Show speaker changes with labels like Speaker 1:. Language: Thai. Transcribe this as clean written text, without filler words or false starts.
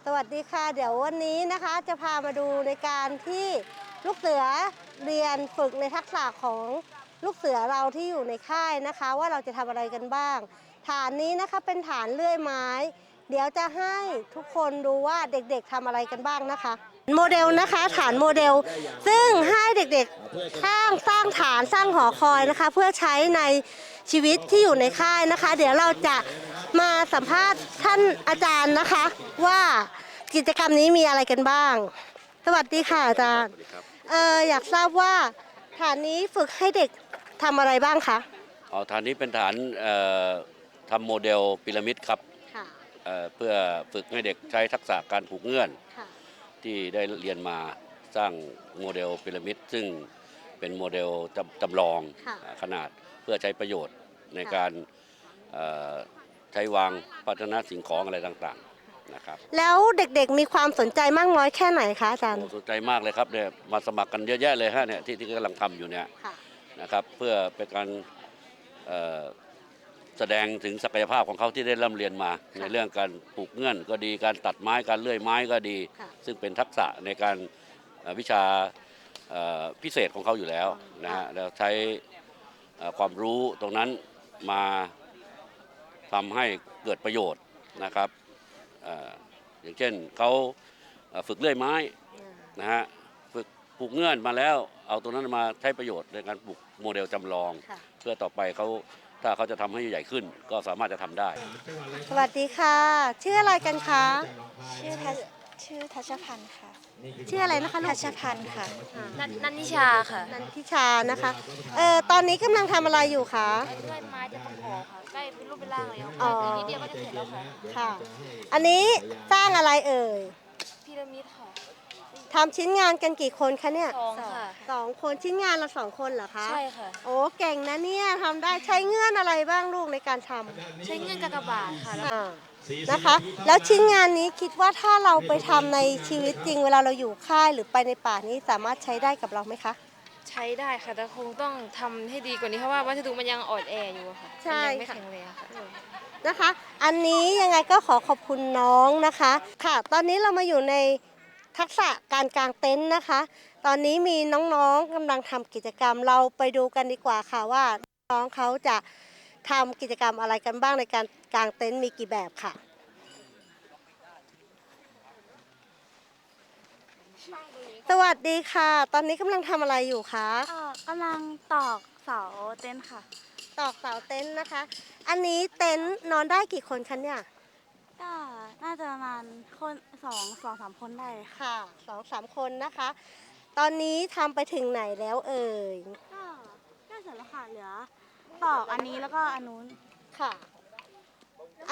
Speaker 1: สวัสดีค่ะเดี๋ยววันนี้นะคะจะพามาดูในการที่ลูกเสือเรียนฝึกในทักษะของลูกเสือเราที่อยู่ในค่ายนะคะว่าเราจะทำอะไรกันบ้างฐานนี้นะคะเป็นฐานเลื่อยไม้เดี๋ยวจะให้ทุกคนดูว่าเด็กๆทำอะไรกันบ้างนะคะโมเดลนะคะฐานโมเดลซึ่งให้เด็กๆสร้างฐานสร้างหอคอยนะคะเพื่อใช้ในชีวิตที่อยู่ในค่ายนะคะเดี๋ยวเราจะมาสัมภาษณ์ท่านอาจารย์นะคะว่ากิจกรรมนี้มีอะไรกันบ้างสวัสดีค่ะอาจารย์อยากทราบว่าฐานนี้ฝึกให้เด็กทำอะไรบ้างคะ
Speaker 2: ฐานนี้เป็นฐานทำโมเดลพีระมิดครับเพื่อฝึกให้เด็กใช้ทักษะการผูกเงื่อนที่ได้เรียนมาสร้างโมเดลพีระมิดซึ่งเป็นโมเดลจำลองขนาดเพื่อใช้ประโยชน์ในการใช้วางพัฒนาสิ่งของอะไรต่างๆนะครับ
Speaker 1: แล้วเด็กๆมีความสนใจมากน้อยแค่ไหนคะอาจารย์
Speaker 2: สนใจมากเลยครับเนี่ยมาสมัครกันเยอะแยะเลยฮะเนี่ยที่กำลังทำอยู่เนี่ยนะครับเพื่อเป็นการแสดงถึงศักยภาพของเขาที่ได้ร่ำเรียนมาในเรื่องการปลูกเงื่อนก็ดีการตัดไม้การเลื่อยไม้ก็ดีซึ่งเป็นทักษะในการวิชาพิเศษของเขาอยู่แล้วนะฮะแล้วใช้ความรู้ตรงนั้นมาทำให้เกิดประโยชน์นะครับอย่างเช่นเขาฝึกเลื่อยไม้นะฮะฝึกปลูกเงื่อนมาแล้วเอาตรงนั้นมาใช้ประโยชน์ในการปลูกโมเดลจำลองเพื่อต่อไปถ้าเขาจะทำให้ใหญ่ขึ้นก็สามารถจะทำได้
Speaker 1: สวัสดีค่ะชื่ออะไรกันคะ
Speaker 3: ชื่อทัชพันธ์ค่ะ
Speaker 1: ชื่ออะไรนะคะ
Speaker 3: ทัชพันธ์ค่ะ
Speaker 4: นันทิชาค่ะ
Speaker 1: นันทิชานะคะตอนนี้กำลังทำอะไรอยู่คะ
Speaker 4: เลื่อยไม้จะต้องขอค่ะใกล้เป็นรูปเป็นร่างเลยค่ะอีกนิดเดียวก็จะเสร็จแล้วค่ะ
Speaker 1: ค่ะอันนี้สร้างอะไรเอ่ย
Speaker 4: พีระมิดค่ะ
Speaker 1: ทำชิ้นงานกันกี่คนคะเนี่ย
Speaker 4: 2ค่ะ
Speaker 1: 2 คนชิ้นงานละ2 คนเหรอคะ
Speaker 4: ใช่ค่ะ
Speaker 1: โอ้เก่งนะเนี่ยทำได้ใช้เงื่อนอะไรบ้างลูกในการท
Speaker 4: ใช้เงื่อนกากบาทค่ะ
Speaker 1: นะคะแล้วชิ้นงานนี้คิดว่าถ้าเราไปทำในชีวิตจริงเวลาเราอยู่ค่ายหรือไปในป่านี้สามารถใช้ได้กับเราไหมคะ
Speaker 4: ใช้ได้ค่ะแต่คงต้องทำให้ดีกว่านี้เพราะว่าวัสดุมันยังอ่อนแออยู่ค่ะ
Speaker 1: ใช่
Speaker 4: ยังไม่แข็งแรงค่ะ
Speaker 1: นะคะอันนี้ยังไงก็ขอบคุณน้องนะคะค่ะตอนนี้เรามาอยู่ในทักษะการกางเต็นท์นะคะตอนนี้มีน้องๆกำลังทำกิจกรรมเราไปดูกันดีกว่าค่ะว่าน้องเขาจะทำกิจกรรมอะไรกันบ้างในการกางเต็นท์มีกี่แบบค่ะสวัสดีค่ะตอนนี้กำลังทำอะไรอยู่คะ
Speaker 3: กำลังตอกเสาเต็นท์ค่ะ
Speaker 1: ตอกเสาเต็นท์นะคะอันนี้เต็นท์นอนได้กี่คนคะเนี่ย
Speaker 3: ก็น่าจะประมาณคน2-3 คนได้
Speaker 1: ค่ะ2-3 คนนะคะตอนนี้ทำไปถึงไหนแล้วเอ่ย
Speaker 3: ก็เสร็จแล้วค่ะเหลือตอกอันนี้แล้วก็อันนู้น
Speaker 1: ค่ะ